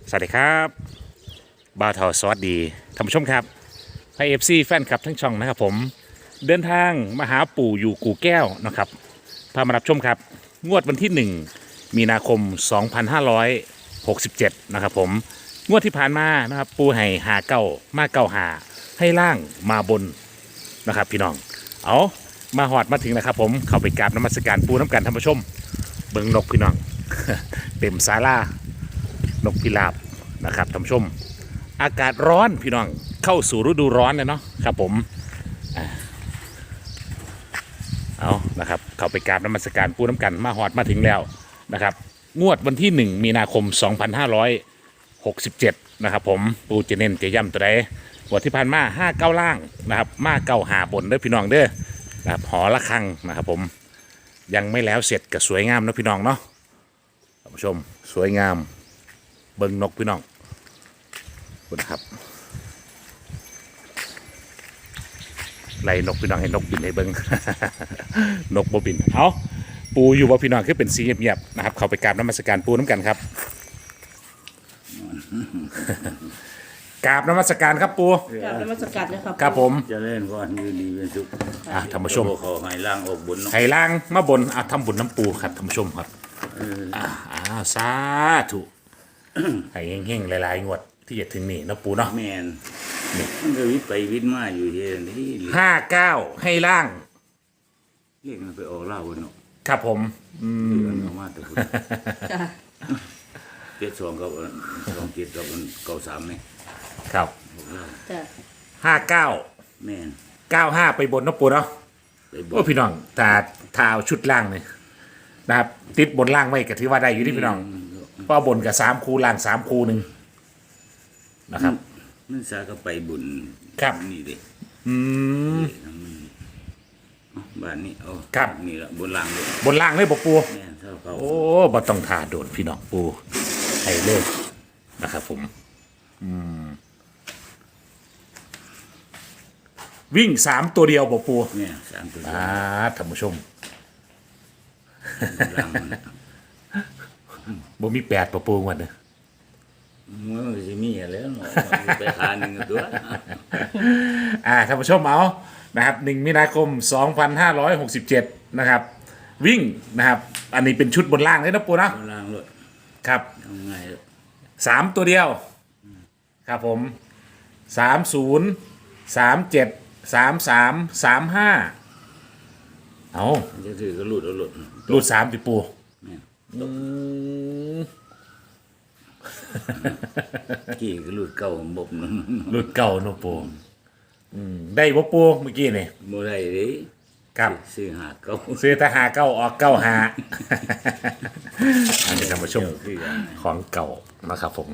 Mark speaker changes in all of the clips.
Speaker 1: สวัสดีครับบ่าวเทาสวัสดีท่านผู้ชมครับไพเอฟซีแฟนคลับทั้งช่องนะครับผมเดินทางมาหาปู่อยู่กู่แก้วนะครับพามารับชมครับงวดวันที่1มีนาคม2567นะครับผมงวดที่ผ่านมานะครับปู่ให้หาเก้ามาเก้าหาให้ล่างมาบนนะครับพี่น้องเอามาหอดมาถึงนะครับผมเข้าไปกราบนมัสการปู่น้ำกันท่านผู้ชมเบิ่งนกพี่น้อง เต็มศาลานกพิราบนะครับท่านผู้ชมอากาศร้อนพี่น้องเข้าสู่ฤดูร้อนเลยเนาะครับผมเอานะครับเข้าไปกราบนมัสการปู่น้ำกันมาหอดมาถึงแล้วนะครับงวดวันที่1มีนาคม2567นะครับผมปู่จะเน้นจะย้ำตัวใดงวดที่ผ่านมา59ล่างนะครับมาเก้าหาบนเด้อพี่น้องเด้อนะครับหอละครังนะครับผมยังไม่แล้วเสร็จก็สวยงามนะพี่น้องเนาะท่านผู้ชมสวยงามเบิ่งนกพี่น้องคุณครับไล่นกพี่น้องให้นกบินให้เบิ่ง นกบ่บินเอาปูอยู่บ่พี่น้องคือเป็นสีเงียบๆนะครับเข้าไปกราบนมัสการปูน้ำกันครับ กราบนมัสการครับปู
Speaker 2: กราบนมัสการเลยครับ
Speaker 1: ครับผม
Speaker 3: เจะเล่นก่อนอยู่ดีเป็นสุข
Speaker 1: ท่านผู้ชม
Speaker 3: ขอให้ล่างออกบุญเนาะ
Speaker 1: ไห้ล่างมาบนทำบุญน้ำปูครับท่านผู้ชมครับสาธุให้เฮงๆหลายๆงวดที่จะถึงนี่เนาะปูเนาะ
Speaker 3: แมนมันก็วิทย์ไปวิทย์มาอยู่ที่นี่
Speaker 1: 59ให้ล่าง
Speaker 3: เรียกมันไปออกเหล่าเนาะ
Speaker 1: ครับผม
Speaker 3: เรื่องออกมาแต่คุณ
Speaker 2: จ้ะ
Speaker 3: เจ็ดสองกับสองเจ็ดกับเก้าสามเนี่ย
Speaker 1: ครับ
Speaker 3: ออกเหล่า
Speaker 2: จ้ะ
Speaker 1: 59
Speaker 3: แมน
Speaker 1: 95ไปบนเนาะปูเนาะ
Speaker 3: ไปบ
Speaker 1: โอ้พี่น้องแต่เท้าชุดล่างเนี่ยนะครับติดบนล่างไว้ก็ถือว่าได้อยู่ที่พี่น้องเพราะบนกับ3คูล่าง3คูหนึ่งนะครับ
Speaker 3: มันสาก็ไปบุญ
Speaker 1: ครับ
Speaker 3: นี่เด็
Speaker 1: อืม
Speaker 3: บ้านนี้เอา
Speaker 1: ครับ
Speaker 3: นี่ละบนล่างเลย
Speaker 1: บนล่างเลยบอกปู
Speaker 3: แม่นเท่าเขา
Speaker 1: โอ้บ่ต้องทาโดนพี่น้องปูให้เลยนะครับผมวิ่ง3ตัวเดียวบอกปู
Speaker 3: เนี่ยสามตัว
Speaker 1: ท่านผู้ชม
Speaker 3: บนล่างมัน
Speaker 1: บ่มี8บอกปูวันเนี่ย
Speaker 3: มันก็จะมีอะไรเนาะไปหาหนึ่งตัว
Speaker 1: ท่านผู้ชมเอานะครับ1มีนาคม2567นะครับวิ่งนะครับอันนี้เป็นชุดบนล่างเลยนะปูนะ
Speaker 3: บนล่างเลย
Speaker 1: ครับ
Speaker 3: ทำไงล่ะ
Speaker 1: 3ตัวเดียวครับผม30 37 33 35เอา
Speaker 3: มันจะถือก็หลุดเอาหลุด
Speaker 1: รูด3ติปู
Speaker 3: เนี่ยกี่ก็หลุดเก่าบบนึง
Speaker 1: รูดเก่าเนอะปูได้บ่ปูเมื่อกี้นี่
Speaker 3: โมได้เลย
Speaker 1: ครับ
Speaker 3: ซื้อหาเก่า
Speaker 1: ซื้อทหาเก้าออกเก้าหา อันนี้ท่านผู้ชม
Speaker 3: คือกัน
Speaker 1: ของเก่านะครับผม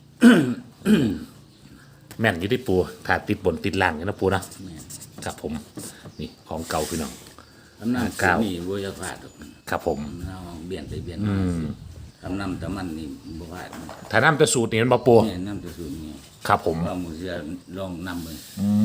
Speaker 1: แม่นอยู่ที่ปูถ้าติดบนติดล่างเนี่ยนะปูเนาะครับผมนี่ของเก่าพี่น้อง
Speaker 3: ทำน้ำ
Speaker 1: เก่า
Speaker 3: นี่บัวจะพลาดหรอก
Speaker 1: ครับผม
Speaker 3: เอาเบียนไปเบียนมาทำน้ำตะมันนี่บัวพลาด
Speaker 1: ถ้าน้ำจะสูตรนี่มันบ่ปู
Speaker 3: เนี่ยน้ำตะสูนนี่
Speaker 1: ครับผม
Speaker 3: เอามือเสียลองน้ำเลย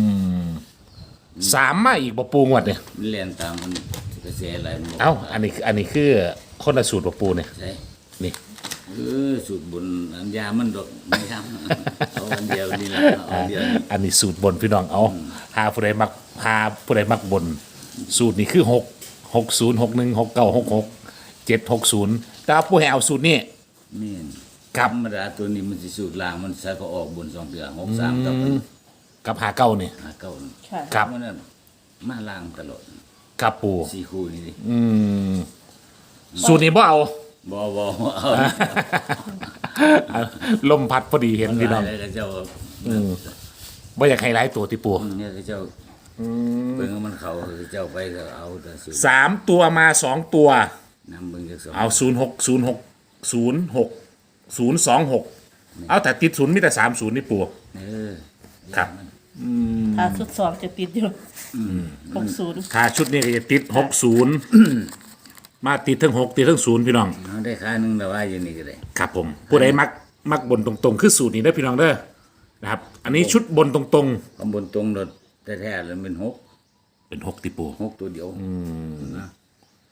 Speaker 1: 3มาอีกบ่ปูงวดเนี่ย
Speaker 3: มันเรียนตามมันกระแสอะไรมันบอก
Speaker 1: เอ้าอันนี้คือคนละสูตรบ่ปูเนี่ย
Speaker 3: ใช่
Speaker 1: นี่
Speaker 3: สูตรบนอันยามันดอกไม่ทำเอาอันเดียวนี่แหละเอาอันเดียวนี่
Speaker 1: อันนี้สูตรบนพี่น้องเอาหาผู้ใดมักหาผู้ใดมักบน สูตรนี้คือ6 60 61 69 66 760แต่ว่าผู้ให้เอาสูตรนี้
Speaker 3: นี่
Speaker 1: ครับ
Speaker 3: ธรรมดาตัวนี้มันสิสูตรล่างมันใส่ก็ออกบนสองเดือ63กับ
Speaker 1: กับหาเก้านี่
Speaker 3: 5 9
Speaker 2: ค่ะ
Speaker 1: ครับ
Speaker 3: มันน่ะมาล่างตลอด
Speaker 1: กับปู
Speaker 3: สี่คู่นี่ดิ
Speaker 1: สูตรนี้บ่เอา
Speaker 3: บ่เอา
Speaker 1: ลมพัดพอดีเห็นพี่น้อง
Speaker 3: ได้แล้วเจ้า
Speaker 1: บ่อยากให้หลายตัวที่ปู
Speaker 3: เนี่ยเจ้าเบิ่งว่ามันเข้าเจ้าไปก็เอาแต่สูตร
Speaker 1: 3ตัวมา2ตัว
Speaker 3: นำเบิ่งจักสอง
Speaker 1: เอา06 เอาแต่ติดศูนย์มีแต่30นี่ปู
Speaker 3: เออ
Speaker 1: ครับ
Speaker 2: ถ้าชุดสอบจะติดอยู่60
Speaker 1: ถ้าชุดนี้ก็จะติด60 มาติดทั้ง6ติดทั้ง0พี่น้อง
Speaker 3: เอาได้ค่าหนึงแต่ว่าอยู่นี่ก็ได้
Speaker 1: ครับผมผู้ใดมักบนตรงๆคือสูตรนี้เด้อพี่น้องเด้อนะครับ อันนี้ชุดบนตรง
Speaker 3: ข้างบนตรงรถแท้ๆแล้วเป็น
Speaker 1: ๆเป็น6ติปู
Speaker 3: 6ตัวเดียวนะ
Speaker 1: เ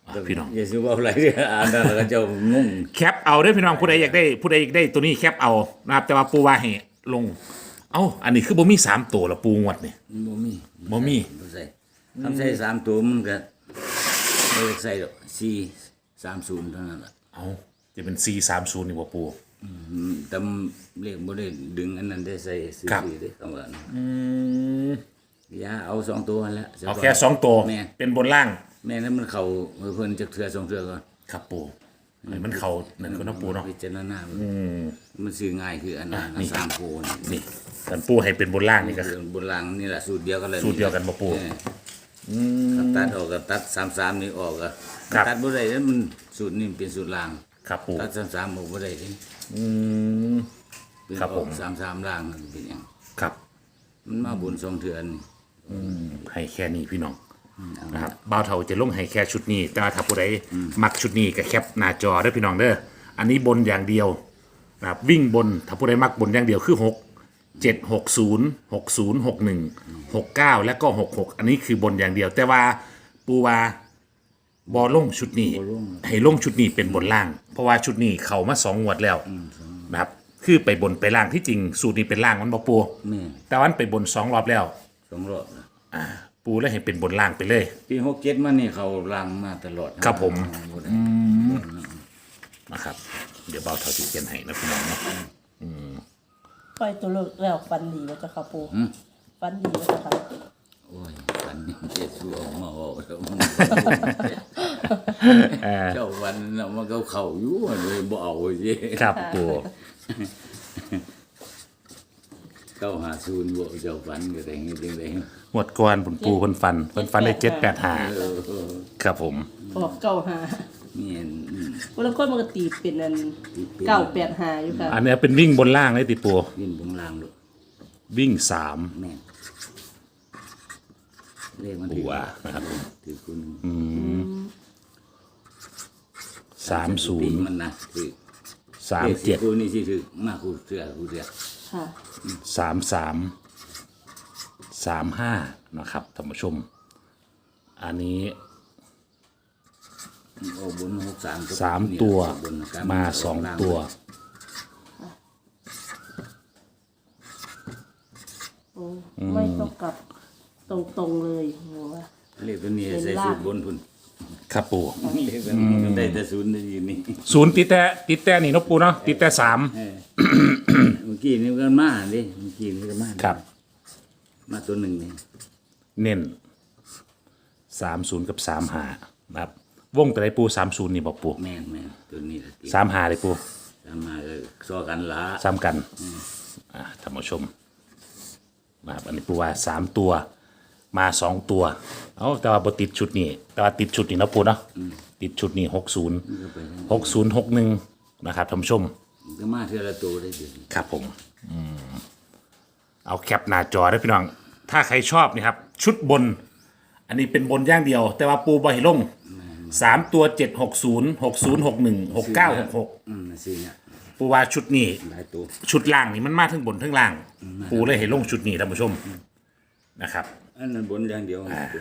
Speaker 1: พี่น้อง
Speaker 3: อย่าซื้อว่าอะไรอ่านแล้วก็เจะงง
Speaker 1: แคปเอาเด้อพี่น้องผู้ใดอยากได้ตัวนี้แคปเอานะครับแต่ว่าปูว่าให้ลง เอ้าอันนี้คือบ่มี3ตัวละปูงวดนี่
Speaker 3: บ่มี
Speaker 1: บ่มี
Speaker 3: บ่ใส่ทำใส่3ตัวมันก็บ่ได้ใส่ดอก430เท่านั้นล่ะ
Speaker 1: เอ้าจะเป็น430นี่บ่ปู
Speaker 3: แต่เลขบ่ได้ดึงอันนั้นได้ใส่ซื้อ
Speaker 1: ครับ
Speaker 3: ๆเด้คำว่านั้นอย่าเอา2ตัวนั่นแหละ
Speaker 1: เอาแค่2ตัว
Speaker 3: แม่
Speaker 1: เป็นบนล่าง
Speaker 3: แม่นั้นมันเข้าเพิ่นจักเทื่อ2เทื่อก่อน
Speaker 1: ครับปูให้มันเข้านั่นก็เนาะปูเนาะ
Speaker 3: พิจารณามันซื้อง่ายคืออันนั้นอัน3โพน
Speaker 1: นี่กันปูให้เป็นบนล่างนี่ก็
Speaker 3: คือบนรางนี่แหละสูตรเดียวกันเลย
Speaker 1: สูตรเดียวกันบ่ปู
Speaker 3: ถ้าตัดออกก็ตัด33นี่ออกก็
Speaker 1: ครับ
Speaker 3: ตัดบ่ได้แล้วมันสูตรนี่เป็นสูตรราง
Speaker 1: ครับปู
Speaker 3: ตัด33ออกบ่ได้เด้ เป็น
Speaker 1: ครับผม
Speaker 3: 33รางนั่นเป็นหยัง
Speaker 1: ครับ
Speaker 3: มันมาบุญ2เทื่อนี่
Speaker 1: ให้แค่นี้พี่น้องนะครับบ่าวเฒ่าจะลงให้แค่ชุดนี้ แต่ว่าถ้าผู้ใดมักชุดนี้ก็แคปหน้าจอเด้อพี่น้องเด้ออันนี้บนอย่างเดียวนะครับวิ่งบนถ้าผู้ใดมักบนอย่างเดียวคือ6 7 6 0 6 0 6 1 6 9 และก็66อันนี้คือบนอย่างเดียว แต่ว่าปูว่าบอลงชุดนี้ ให้ลงชุดนี้เป็นบนล่าง เพราะว่าชุดนี้เขามา2 งวดแล้วนะครับคือไปบนไปล่างที่จริงสูตรนี้เป็นล่างมันบ่ปู
Speaker 3: แม่
Speaker 1: แต่วันไปบน2 รอบแล้ว
Speaker 3: 2รอบนะ
Speaker 1: ปูเลยให้เป็นบนล่างไปเลย
Speaker 3: ปี67มานี่เขารางมาตลอด
Speaker 1: ครับผม
Speaker 3: บ่ได้
Speaker 1: นะครับ เดี๋ยวเบาเท่าที่เขียนให้นะพี่น้องเนาะ
Speaker 2: ปล่อยตัวเลิกแล้วฟันดีว่าจะค่ะปูฟันดีว่าจะค่ะ
Speaker 3: โอ้ยฝันยังเจ็ดสู้ออกมาออกแล้วมันเจ้าวันน่ะมันก็เข้าอยู่เลยบ่เอาสิ
Speaker 1: ครับปู
Speaker 3: เข้าหาศูนย์บ่เจ้าฝันก็ได้จังได๋
Speaker 1: หมดก่อนปูคนฟันได้785ครับผม
Speaker 2: ออกเก้าหา
Speaker 3: นี่
Speaker 2: วันละคนมันก็ตีเป็นอันเก้าแปดหาอยู่ค่ะ
Speaker 1: อันนี้เป็นวิ่งบนล่างเลยติปู
Speaker 3: ยินบงลางลูก
Speaker 1: วิ่ง
Speaker 3: แม่นเลขมัน
Speaker 1: 3ปูว่านะครับ
Speaker 3: ถือคุณ
Speaker 1: 30
Speaker 3: มันนะถือเลข
Speaker 1: 37
Speaker 3: กูนี่สิถือมากูเสือ
Speaker 2: ค่ะ
Speaker 1: 33 35นะครับท่านผู้ชม อันนี้
Speaker 3: โอ้บน63ก็
Speaker 1: 3 ตัวมา2 ตัว
Speaker 2: โอ้ไม่ต้องกลับตรงๆเลยโหว่า
Speaker 3: เลขตัวนี้ใส่สูตรบนพุ่น
Speaker 1: ครับปู
Speaker 3: เลขตัวนี้มันได้แต่ศูนย์อยู่นี่
Speaker 1: ศูนย์ติดแต่นี่เนาะปูเนาะติดแต่3
Speaker 3: เมื่อกี้นี่ก็มาดิเมื่อกี้นี่ก็มา
Speaker 1: ครับ
Speaker 3: มาตัวหนึ่งนี่
Speaker 1: เน้น30กับ35นะครับวงแต่ไรปู30นี่บอกปู
Speaker 3: แม่นตัวนี้ละติ
Speaker 1: 35เลยปู
Speaker 3: ตามมาก็ซอกันละ
Speaker 1: ซ้ำกันท่านผู้ชมนะครับอันนี้ปูว่า3ตัวมา2ตัวเอาแต่ว่าบ่ติดชุดนี้แต่ว่าติดชุดนี้เนาะปูเนาะติดชุดนี้60 6061นะครับท่านผู้ชม
Speaker 3: ก็มาเท่าละตัวได้เดี๋ยวนี้
Speaker 1: ครับผมเอาแคปหน้าจอได้พี่น้อง ถ้าใครชอบนี่ครับ ชุดบน อันนี้เป็นบนอย่างเดียว แต่ว่าปูบอให้ลง3ตัว760 6061 6966
Speaker 3: สิเนี่ย
Speaker 1: ปูว่าชุดนี้
Speaker 3: หลายตัว
Speaker 1: ชุดล่างนี่มันมาทั้งบนทั้งล่าง ปูเลยให้ลงชุดนี้ท่านผู้ชมนะครับ
Speaker 3: อันนั้นบนอย่างเดียวเป็น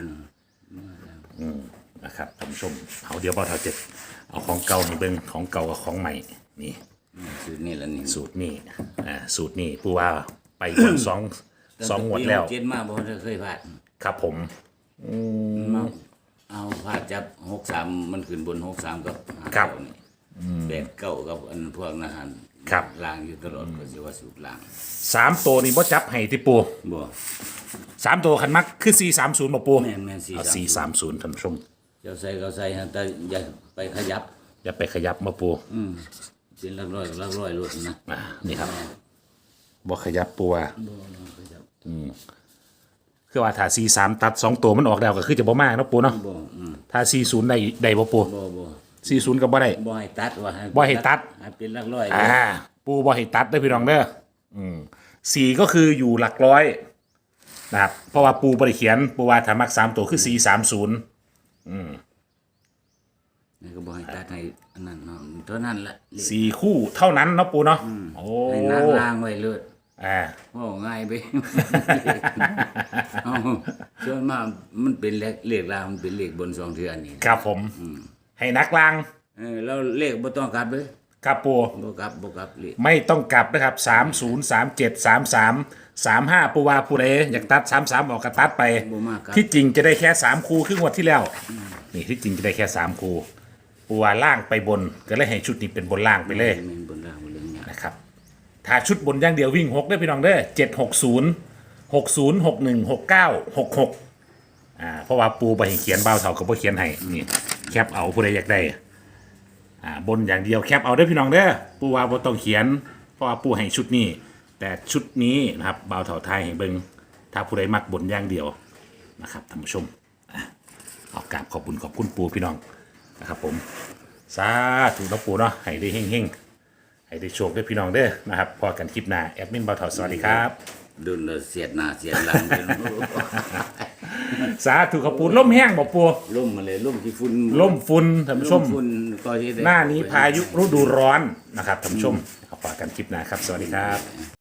Speaker 1: นะครับท่านผู้ชมเอาเดี๋ยวบ่าวเท่าเจ็ดเอาของเก่าให้เบิ่งของเก่ากับของใหม่นี่
Speaker 3: สูตรนี่ละนี่
Speaker 1: สูตรนี้สูตรนี้ปูว่าไปบนสองงวดแล้ว
Speaker 3: เจ็ดมาบ่ได้เคยพลาด
Speaker 1: ครับผม
Speaker 3: มาเอาพลาดจับ63มันขึ้นบน63กับ
Speaker 1: ครับ
Speaker 3: 59นี่89กับอันพวกนั้นหัน
Speaker 1: ครับ
Speaker 3: ล่างอยู่ตลอดก็สิว่าสูตรล่าง
Speaker 1: 3ตัวนี่บ่จับให้ที่ปู
Speaker 3: บ่
Speaker 1: 3ตัวคันมักคือ430บ่ปู
Speaker 3: แม่น
Speaker 1: เอา
Speaker 3: 430
Speaker 1: 430ท่านผู้ชม
Speaker 3: เจ้าใส่ก็ใส่ฮะแต่อย่าไปขยับ
Speaker 1: อย่าไปขยับมาปู
Speaker 3: เป็นหลักร้อยกับหลักร้อยรถนะ
Speaker 1: นี่ครับบ่ขยับปูว่า
Speaker 3: บ่ขยับ
Speaker 1: คือว่าถ้า43ตัด2ตัวมันออกแล้วก็คือจะบ่มากเนาะปูเนาะ
Speaker 3: บ่
Speaker 1: ถ้า40ได้บ่ปู
Speaker 3: บ่
Speaker 1: 40ก็บ่ได้
Speaker 3: บ่ให้ตัดว่า
Speaker 1: บ่ให้ตัด
Speaker 3: ให้เป็นหลักร้อย
Speaker 1: ปูบ่ให้ตัดเด้อพี่น้องเด้อสี่ก็คืออยู่หลักร้อยนะครับเพราะว่าปูบ่ได้เขียนปูว่าถ้ามัก3ตัวคือ430
Speaker 3: นี่ก็บ่ให้ตัดให้อันนั้นเนาะเท่านั้นแหละเลข
Speaker 1: 4คู่เท่านั้นเนาะปูเนาะโอ้
Speaker 3: ให้นางล่างไว้เลย ว่าง่ายไป เอาส่วนมากมันเป็นเลขล่างมันเป็นเลขบน2เทื่อนี่
Speaker 1: ครับผมให้นักลาง
Speaker 3: แล้วเลขบ่ต้องกลับเลย
Speaker 1: ครับปู
Speaker 3: บ่กลับเลข
Speaker 1: ไม่ต้องกลับนะครับ30373335ปูว่าผู้ใดอยากตัด33ออกก็ตัดไป
Speaker 3: บ่มากครับ
Speaker 1: ที่จริงจะได้แค่3คู่ครึ่งวันที่แล้วนี่ที่จริงจะได้แค่3คู่ปูว่าล่างไปบนก็เลยให้ชุดนี้เป็นบนล่างไปเลย
Speaker 3: แม่นบนล่างบนเรื่องนี้
Speaker 1: นะครับถ้าชุดบนอย่างเดียววิ่ง6ได้อพี่น้องเด้อ760 60 61 69 66เพราะว่าปูไปให้เขียนเบาเท่ากับบ่เขียนให้นี่แคปเอาผู้ใดอยากได้บนอย่างเดียวแคปเอาได้อพี่น้องเด้อปูว่าบ่ต้องเขียนเพราะว่าปูให้ชุดนี้ แต่ชุดนี้นะครับเบาเท่าไทยให้เบิ่งถ้าผู้ใดมักบนอย่างเดียวนะครับท่านผู้ชมขอกราบขอบคุณปูพี่น้องนะครับผมสาธุนะปูเนาะให้ได้เฮงๆให้ได้โชคได้พี่น้องเด้อนะครับพอกันคลิปหน้าแอดมินเบาเท่าสวัสดีครับ
Speaker 3: ดุนแล้วเสียดหน้าเสียดหลังเป็น
Speaker 1: สาธุขอบปูล่มแห้งบ่ปู
Speaker 3: ล่มมาเลยล่มที่ฝุ่น
Speaker 1: ล่มฝุ่นท่านผู้ชม
Speaker 3: ฝุ่นก็ที่ได้
Speaker 1: หน้านี้พายุฤดูร้อนนะครับท่านผู้ชมขอฝากกันคลิปหน้าครับสวัสดีครับ